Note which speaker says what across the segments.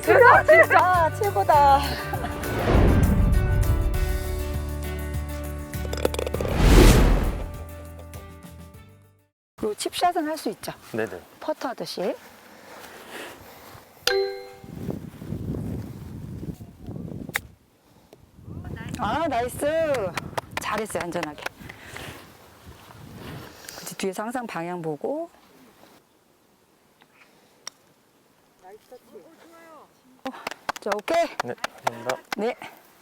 Speaker 1: 대박 진짜 최고다. 그리고 칩샷은 할 수 있죠.
Speaker 2: 네네.
Speaker 1: 퍼터 하듯이. 아 나이스. 잘했어요 안전하게. 그치 뒤에서 항상 방향 보고. 자 오케이.
Speaker 2: 네, 감사합니다.
Speaker 1: 네.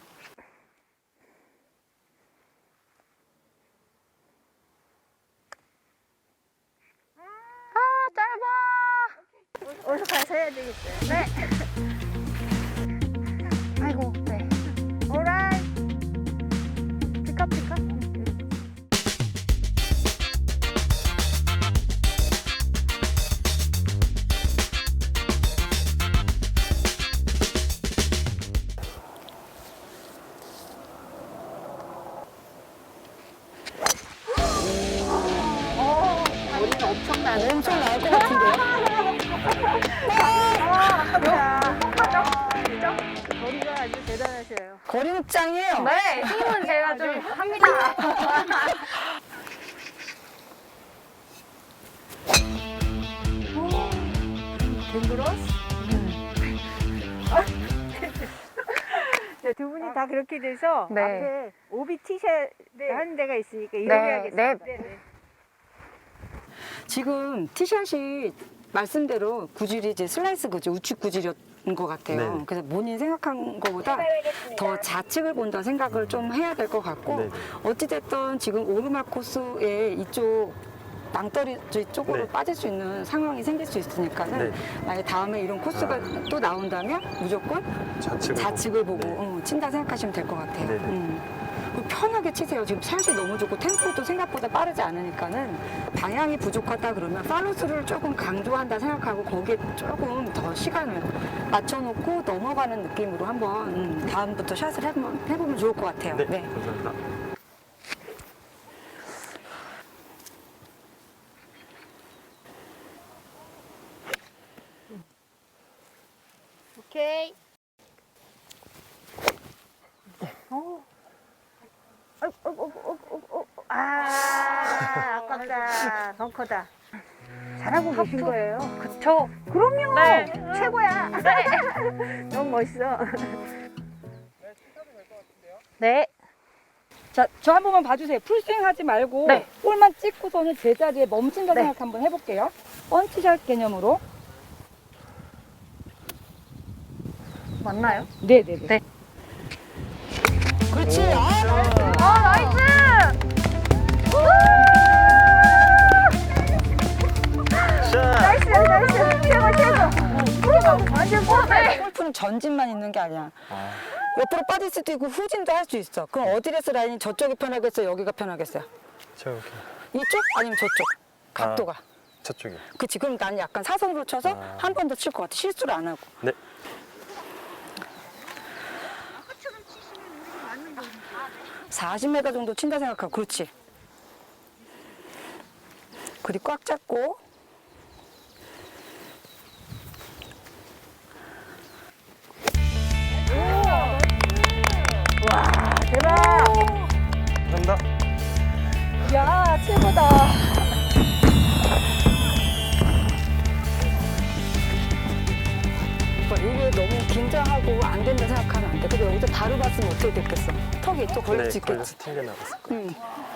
Speaker 3: 어디서 가서 해야 되겠어요. 네.
Speaker 1: 아이고 네.
Speaker 3: 오라이. 피카 피카. 머리는 엄청나네.
Speaker 1: 엄청 나을 것 같은데요?
Speaker 3: 머리가 아주 대단하셔요.
Speaker 1: 거리는 짱이에요.
Speaker 3: 네, 힘은 제가 좀 합니다. 댕그러스? 네, 두 분이 다 그렇게 돼서
Speaker 1: 네.
Speaker 3: 앞에 오비 티샷 하는 데가 있으니까 이렇게
Speaker 1: 네,
Speaker 3: 하겠습니다.
Speaker 1: 네.
Speaker 3: 네.
Speaker 1: 지금 티샷이 말씀대로 구질이 이제 슬라이스 구질, 우측 구질이었던 것 같아요.
Speaker 2: 네네.
Speaker 1: 그래서 본인 생각한 것보다 더 좌측을 본다 생각을 좀 해야 될 것 같고
Speaker 2: 네네.
Speaker 1: 어찌됐든 지금 오르막 코스에 이쪽 낭떠리 쪽으로
Speaker 2: 네.
Speaker 1: 빠질 수 있는 상황이 생길 수 있으니까는
Speaker 2: 네.
Speaker 1: 만약에 다음에 이런 코스가 또 나온다면 무조건 좌측을 보고
Speaker 2: 네.
Speaker 1: 친다 생각하시면 될 것 같아요.
Speaker 2: 네네.
Speaker 1: 그리고 편하게 치세요. 지금 샷이 너무 좋고 템포도 생각보다 빠르지 않으니까는 방향이 부족하다 그러면 팔로스를 조금 강조한다 생각하고 거기에 조금 더 시간을 맞춰놓고 넘어가는 느낌으로 한번 다음부터 샷을 해보면 좋을 것 같아요.
Speaker 2: 네, 감사합니다.
Speaker 3: 오케이. 아깝다. 벙커다. 잘하고 계신 거예요.
Speaker 4: 그쵸.
Speaker 3: 그럼요.
Speaker 4: 네.
Speaker 3: 최고야. 너무 멋있어.
Speaker 4: 네.
Speaker 1: 자, 저 한 번만 봐주세요. 풀스윙 하지 말고
Speaker 4: 네.
Speaker 1: 볼만 찍고서는 제자리에 멈춘다
Speaker 4: 네.
Speaker 1: 생각 한번 해볼게요. 펀치샷 개념으로.
Speaker 4: 맞나요?
Speaker 1: 네네네.
Speaker 4: 네.
Speaker 1: 그렇지.
Speaker 4: 나이스!
Speaker 3: 나이스, 나이스. 최고. 완전 뻔해.
Speaker 1: 골프는 전진만 있는 게 아니야.
Speaker 2: 아,
Speaker 1: 옆으로 빠질 수도 있고 후진도 할 수 있어. 그럼 어드레스 라인이 저쪽이 편하겠어요? 여기가 편하겠어요?
Speaker 2: 저기
Speaker 1: 이쪽? 아니면 저쪽? 각도가.
Speaker 2: 저쪽이요.
Speaker 1: 그치. 그럼 난 약간 사선으로 쳐서
Speaker 2: 아.
Speaker 1: 한 번 더 칠 것 같아. 실수를 안 하고.
Speaker 2: 네.
Speaker 1: 40m 정도 친다 생각하고. 그렇지. 그리 꽉 잡고.
Speaker 3: 와, 대박.
Speaker 2: 감사합니다.
Speaker 1: 야, 최고다. 이게 너무 긴장하고 안 된다 생각하면 안 돼. 근데 여기서 바로 봤으면 어떻게 됐겠어? 턱이 또 걸릴 수
Speaker 2: 네,
Speaker 1: 있겠지.
Speaker 2: 걸려서 튕겨 나갔을 거예요.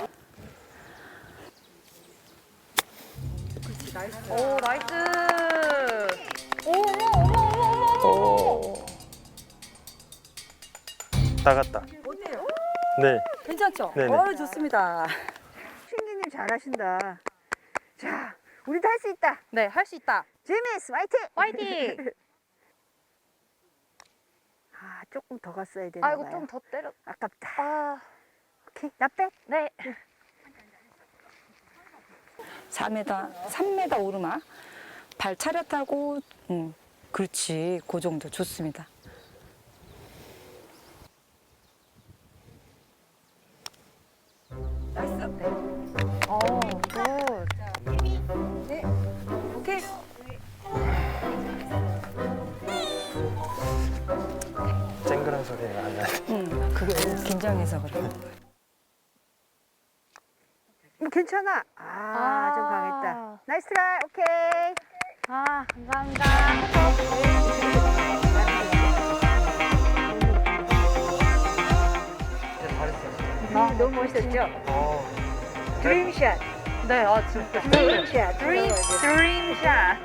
Speaker 4: 오, 나이스! 어머!
Speaker 2: 나갔다. 네.
Speaker 1: 괜찮죠?
Speaker 2: 네네.
Speaker 1: 좋습니다.
Speaker 3: 신기님 잘하신다. 자, 우리도 할 수 있다.
Speaker 4: 네, 할 수 있다.
Speaker 3: 제미스 화이팅!
Speaker 4: 화이팅!
Speaker 3: 아, 조금 더 갔어야 되나
Speaker 4: 아이고,
Speaker 3: 봐요.
Speaker 4: 좀 더 때려.
Speaker 3: 아깝다.
Speaker 4: 아,
Speaker 3: 오케이, 나 백.
Speaker 4: 네.
Speaker 1: 4m, 3m 오르막. 발 차렷하고, 그렇지. 그 정도 좋습니다. 나이스.
Speaker 4: 굿.
Speaker 1: 네. 오케이. 긴장해서 그래.
Speaker 3: 괜찮아. 좀 강했다. 나이스 트라이. 오케이.
Speaker 4: 감사합니다.
Speaker 3: 너무 멋있었죠? 드림샷.
Speaker 4: 네, 진짜.
Speaker 3: 드림샷.
Speaker 4: 드림샷.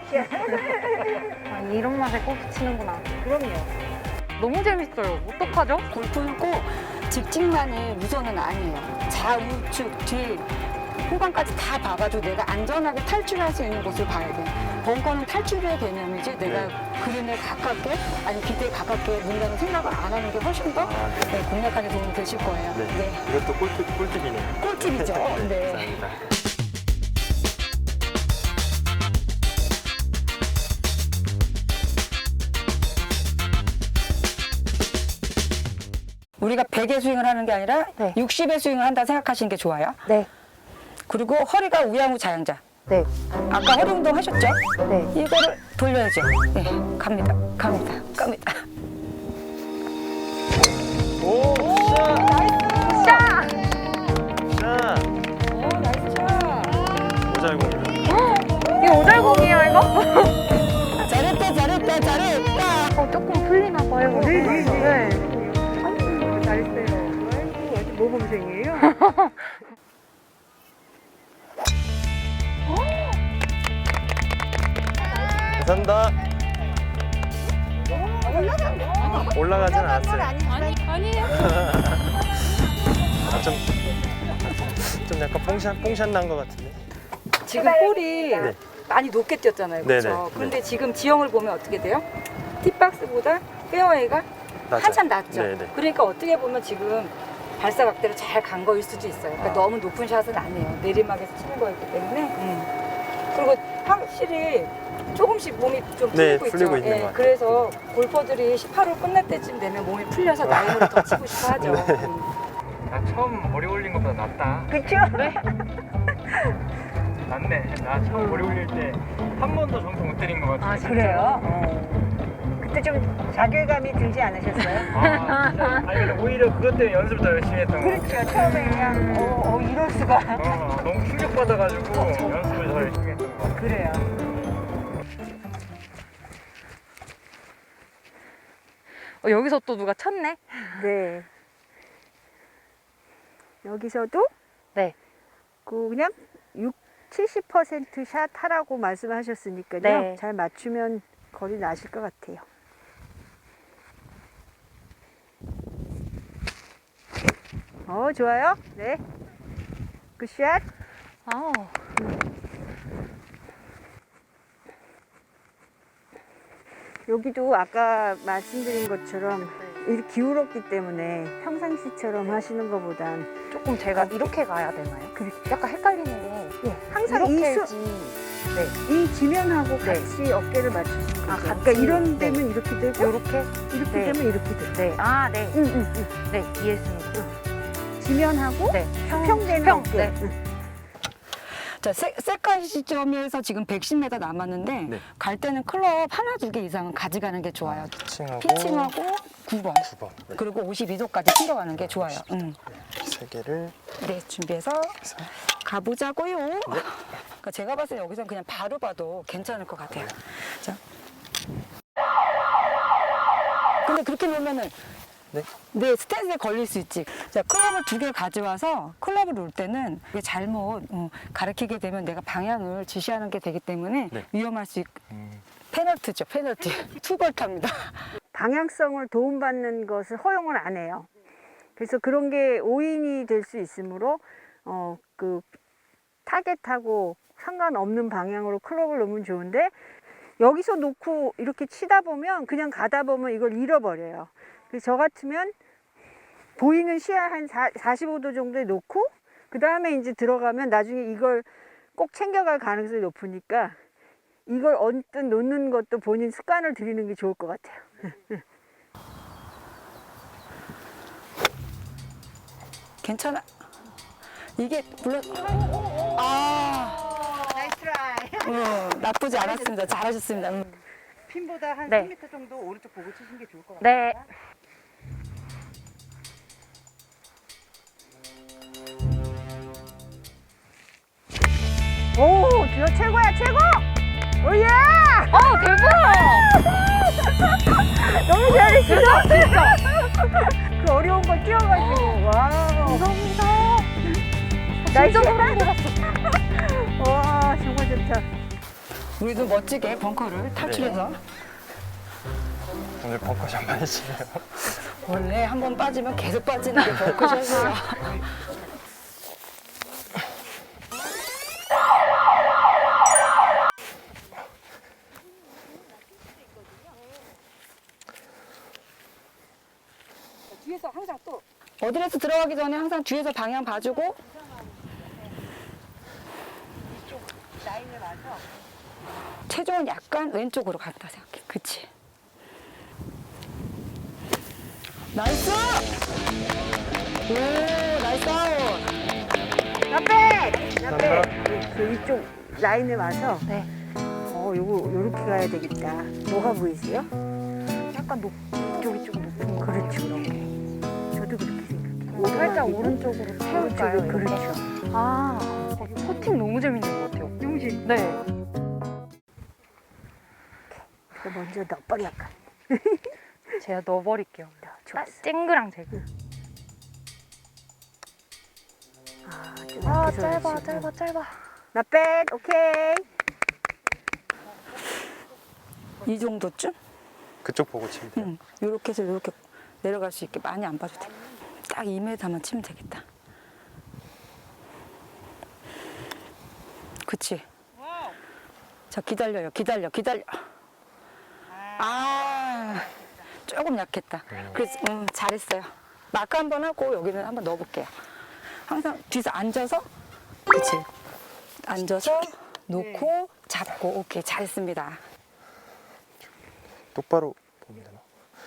Speaker 4: 이런 맛에 골프 치는구나.
Speaker 3: 그럼요.
Speaker 4: 너무 재밌어요. 어떡하죠?
Speaker 1: 골프는 꼭 직진만이 우선은 아니에요. 좌우측 뒤 후방까지 다 봐가지고 내가 안전하게 탈출할 수 있는 곳을 봐야 돼. 벙커는 탈출의 개념이지 내가 그린에 가깝게 아니 기대에 가깝게 문다는 생각을 안 하는 게 훨씬 더 공략하는 데 도움이 되실 거예요.
Speaker 2: 네. 이것도 꿀팁이네요.
Speaker 1: 꿀팁이죠. 네.
Speaker 2: 감사합니다.
Speaker 1: 우리가 100의 스윙을 하는 게 아니라
Speaker 4: 네.
Speaker 1: 60의 스윙을 한다 생각하시는 게 좋아요.
Speaker 4: 네.
Speaker 1: 그리고 허리가 우양우 자양자.
Speaker 4: 네.
Speaker 1: 아까 허리 운동 하셨죠?
Speaker 4: 네.
Speaker 1: 이거를 돌려야죠. 네, 갑니다.
Speaker 2: 오, 샷!
Speaker 4: 자!
Speaker 2: 샷!
Speaker 1: 오, 나이스 샷.
Speaker 2: 오잘공이다.
Speaker 4: 이거 오잘공이에요, 이거?
Speaker 1: 잘했다.
Speaker 4: 조금 풀리나 봐요.
Speaker 3: 네. 잘했어요. 아이고, 모범생이에요.
Speaker 2: 감사합니다. 올라가진 않았어요.
Speaker 4: 아니에요.
Speaker 2: 좀 약간 뽕샷 난 것 같은데.
Speaker 1: 지금 볼이
Speaker 2: 네.
Speaker 1: 많이 높게 뛰었잖아요.
Speaker 2: 네네.
Speaker 1: 그렇죠?
Speaker 2: 네.
Speaker 1: 그런데 지금 지형을 보면 어떻게 돼요? 팁박스보다 페어웨이가
Speaker 2: 낮아요.
Speaker 1: 한참 낮죠.
Speaker 2: 네네.
Speaker 1: 그러니까 어떻게 보면 지금 발사각대로 잘 간 거일 수도 있어요. 그러니까 너무 높은 샷은 아니에요. 내리막에서 치는 거였기 때문에. 그리고 확실히 조금씩 몸이 좀
Speaker 2: 네,
Speaker 1: 풀리고 있죠.
Speaker 2: 풀리고 있는 것 같아요.
Speaker 1: 그래서 골퍼들이 18호 끝날 때쯤 되면 몸이 풀려서 라인으로 더 치고 싶어 하죠.
Speaker 2: 네.
Speaker 5: 나 처음 머리 올린 것보다 낫다.
Speaker 3: 그쵸?
Speaker 5: 낫네. 나 처음 머리 올릴 때 한 번도 정통 못 때린 것 같아.
Speaker 3: 그래요? 그때 좀 자괴감이 들지 않으셨어요?
Speaker 5: 진짜. 아니 근데 오히려 그것 때문에 연습을 더 열심히 했던 것 같아.
Speaker 3: 그렇죠. 처음에 그냥 이럴 수가.
Speaker 5: 너무 충격받아가지고 연습을 더 열심히 했던 것 같아.
Speaker 3: 그래요.
Speaker 4: 여기서 또 누가 쳤네?
Speaker 3: 네. 여기서도
Speaker 4: 네.
Speaker 3: 그냥 70% 샷 하라고 말씀하셨으니까요.
Speaker 4: 네.
Speaker 3: 잘 맞추면 거리 나실 것 같아요. 좋아요. 네. 굿샷.
Speaker 4: 아우.
Speaker 3: 여기도 아까 말씀드린 것처럼 이렇게 기울었기 때문에 평상시처럼 하시는 것보단
Speaker 4: 조금 제가 이렇게 가야 되나요? 약간 헷갈리는 게
Speaker 3: 항상
Speaker 4: 이렇게
Speaker 3: 이
Speaker 4: 해야지. 네.
Speaker 3: 이 지면하고
Speaker 4: 네.
Speaker 3: 같이 어깨를 맞추시는 거죠.
Speaker 4: 같이.
Speaker 3: 그러니까 이런
Speaker 4: 네.
Speaker 3: 데면 이렇게 되고
Speaker 4: 요렇게?
Speaker 3: 이렇게
Speaker 4: 네.
Speaker 3: 되면 이렇게 되고.
Speaker 4: 네. 아, 네.
Speaker 3: 응.
Speaker 4: 네, 이해했습니다.
Speaker 3: 지면하고
Speaker 4: 네.
Speaker 3: 수평되는
Speaker 4: 수평.
Speaker 3: 어깨.
Speaker 4: 네.
Speaker 3: 응.
Speaker 1: 자, 세컨 시점에서 지금 110m 남았는데
Speaker 2: 네.
Speaker 1: 갈 때는 클럽 하나, 두 개 이상은 가져가는 게 좋아요.
Speaker 2: 피칭하고
Speaker 1: 피칭하고 9번.
Speaker 2: 9번. 네.
Speaker 1: 그리고 52도까지 챙겨가는 게 좋아요.
Speaker 2: 세 개를
Speaker 1: 네, 준비해서
Speaker 2: 해서
Speaker 1: 가보자고요. 그러니까 제가 봤을 때 여기서 그냥 바로 봐도 괜찮을 것 같아요. 자. 근데 그렇게 놓으면은 네, 스탠스에 걸릴 수 있지. 자, 클럽을 두 개 가져와서 클럽을 놓을 때는 이게 잘못 가르치게 되면 내가 방향을 지시하는 게 되기 때문에
Speaker 2: 네.
Speaker 1: 위험할 수 있고 페널티죠, 페널티. 투벌타입니다.
Speaker 3: 방향성을 도움받는 것을 허용을 안 해요. 그래서 그런 게 오인이 될 수 있으므로 그 타겟하고 상관없는 방향으로 클럽을 놓으면 좋은데 여기서 놓고 이렇게 치다 보면 그냥 가다 보면 이걸 잃어버려요. 그래서 저 같으면 보이는 시야 한 45도 정도에 놓고 그 다음에 이제 들어가면 나중에 이걸 꼭 챙겨갈 가능성이 높으니까 이걸 언뜻 놓는 것도 본인 습관을 들이는 게 좋을 것 같아요.
Speaker 1: 괜찮아. 이게 물론
Speaker 3: 나이스 트라이.
Speaker 1: 나쁘지 않았습니다. 잘하셨습니다.
Speaker 3: 핀보다 한
Speaker 4: 네.
Speaker 3: 3m 정도 오른쪽 보고 치시는 게 좋을 것 같아요.
Speaker 4: 네.
Speaker 3: 오, 저 최고야, 최고! 오예!
Speaker 4: 대박!
Speaker 3: 너무 잘했어.
Speaker 4: 진짜.
Speaker 3: 그 어려운 거 뛰어가지고. 와우.
Speaker 4: 감사합니다.
Speaker 3: 나이스.
Speaker 4: 진짜 소름 돋았어.
Speaker 3: 와, 정말 좋다.
Speaker 1: 우리도 멋지게 벙커를 탈출해서
Speaker 2: 오늘 벙커샷 많이 치네요.
Speaker 1: 원래 한 번 빠지면 계속 빠지는 게 벙커샷이에요. 뒤에서 항상 또 어드레스 들어가기 전에 항상 뒤에서 방향 봐주고 체중은 약간 왼쪽으로 갔다 생각해. 그치? 나이스! 오, 나이스 아웃!
Speaker 3: 나빼! 그 이쪽 라인에 와서,
Speaker 4: 네.
Speaker 3: 요렇게 가야 되겠다. 뭐가 보이세요?
Speaker 4: 약간 이쪽이 좀 높은 거.
Speaker 3: 그렇죠. 저도 그렇게 생각해요.
Speaker 4: 살짝 오른쪽으로 세울까요?
Speaker 3: 오른쪽으로,
Speaker 4: 이렇게?
Speaker 3: 그렇죠.
Speaker 4: 아, 퍼팅 너무 재밌는 것 같아요.
Speaker 3: 너무 재밌
Speaker 4: 네.
Speaker 3: 먼저 넣어버려, 약간.
Speaker 4: 제가 넣어버릴게요.
Speaker 3: 좋았어.
Speaker 4: 쨍그랑 제가.
Speaker 3: 좀
Speaker 4: 아,
Speaker 3: 앞에서
Speaker 4: 짧아,
Speaker 3: 그렇지.
Speaker 4: 짧아, 짧아.
Speaker 3: 나빼, 오케이.
Speaker 1: 이 정도쯤?
Speaker 2: 그쪽 보고 치면 돼요.
Speaker 1: 응. 요렇게 해서 요렇게 내려갈 수 있게 많이 안 봐도 돼. 딱 2m만 치면 되겠다. 그치? 자, 기다려요. 기다려. 아, 조금 약했다. 그래서, 잘했어요. 마크 한번 하고 여기는 한번 넣어볼게요. 항상 뒤에서 앉아서, 그치? 앉아서 놓고 잡고, 오케이. 잘했습니다.
Speaker 2: 똑바로 보면 되나?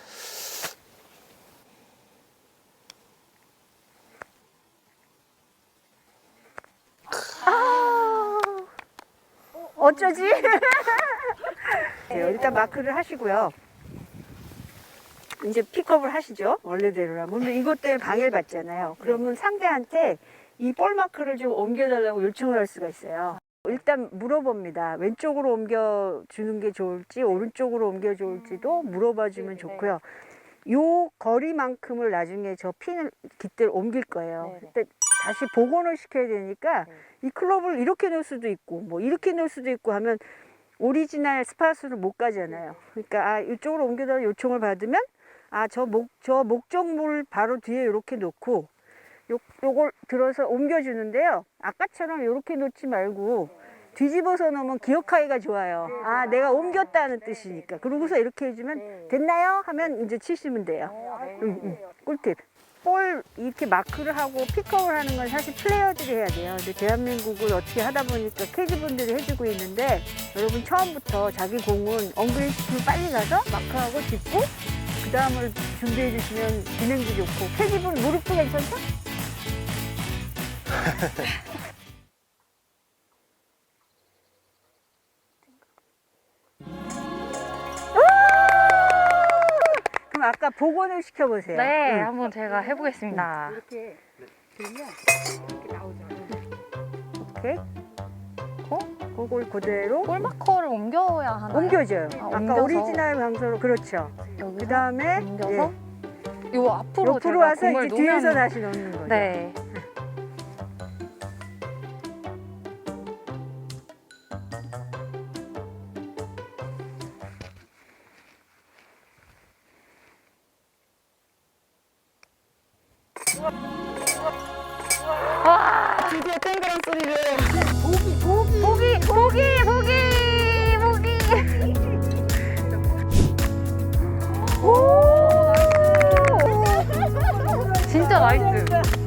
Speaker 3: 어쩌지? 네, 일단 마크를 하시고요. 이제 픽업을 하시죠. 원래대로라면. 근데 이것 때문에 방해를 받잖아요. 그러면 상대한테 이 볼 마크를 좀 옮겨달라고 요청을 할 수가 있어요. 일단 물어봅니다. 왼쪽으로 옮겨주는 게 좋을지 오른쪽으로 옮겨줄지도 물어봐주면 좋고요. 요 거리만큼을 나중에 저 핀을 깃대를 옮길 거예요. 그때 다시 복원을 시켜야 되니까 이 클럽을 이렇게 넣을 수도 있고 뭐 이렇게 넣을 수도 있고 하면 오리지널 스팟으로 못 가잖아요. 그러니까 이쪽으로 옮겨달라 요청을 받으면 저 목적물 바로 뒤에 이렇게 놓고 요걸 들어서 옮겨주는데요. 아까처럼 이렇게 놓지 말고 뒤집어서 놓으면 기억하기가 좋아요. 내가 옮겼다는 뜻이니까. 그러고서 이렇게 해주면 됐나요? 하면 이제 치시면 돼요. 꿀팁. 볼 이렇게 마크를 하고 픽업을 하는 건 사실 플레이어들이 해야 돼요. 근데 대한민국을 어떻게 하다 보니까 캐디분들이 해주고 있는데 여러분 처음부터 자기 공은 엉그레이스로 빨리 가서 마크하고 짚고 그 다음을 준비해 주시면 진행도 좋고 캐디분 무릎도 괜찮죠? 그럼 아까 복원을 시켜보세요.
Speaker 4: 네,
Speaker 3: 응.
Speaker 4: 한번 제가 해보겠습니다.
Speaker 3: 이렇게 들면 이렇게 나오잖아요. 오케이. 그걸 그대로
Speaker 4: 볼 마커를 옮겨야 하나요?
Speaker 3: 옮겨줘요.
Speaker 4: 아,
Speaker 3: 아까
Speaker 4: 옮겨서?
Speaker 3: 오리지널 강서로 그렇죠.
Speaker 4: 여기서
Speaker 3: 그 다음에
Speaker 4: 옮겨서 요 앞으로
Speaker 3: 옆으로
Speaker 4: 제가
Speaker 3: 와서
Speaker 4: 공을
Speaker 3: 이제 뒤에서
Speaker 4: 놓으면
Speaker 3: 다시 넣는 거죠.
Speaker 4: 네.
Speaker 1: 드디어 땡그란 소리를.
Speaker 4: 진짜 나이스.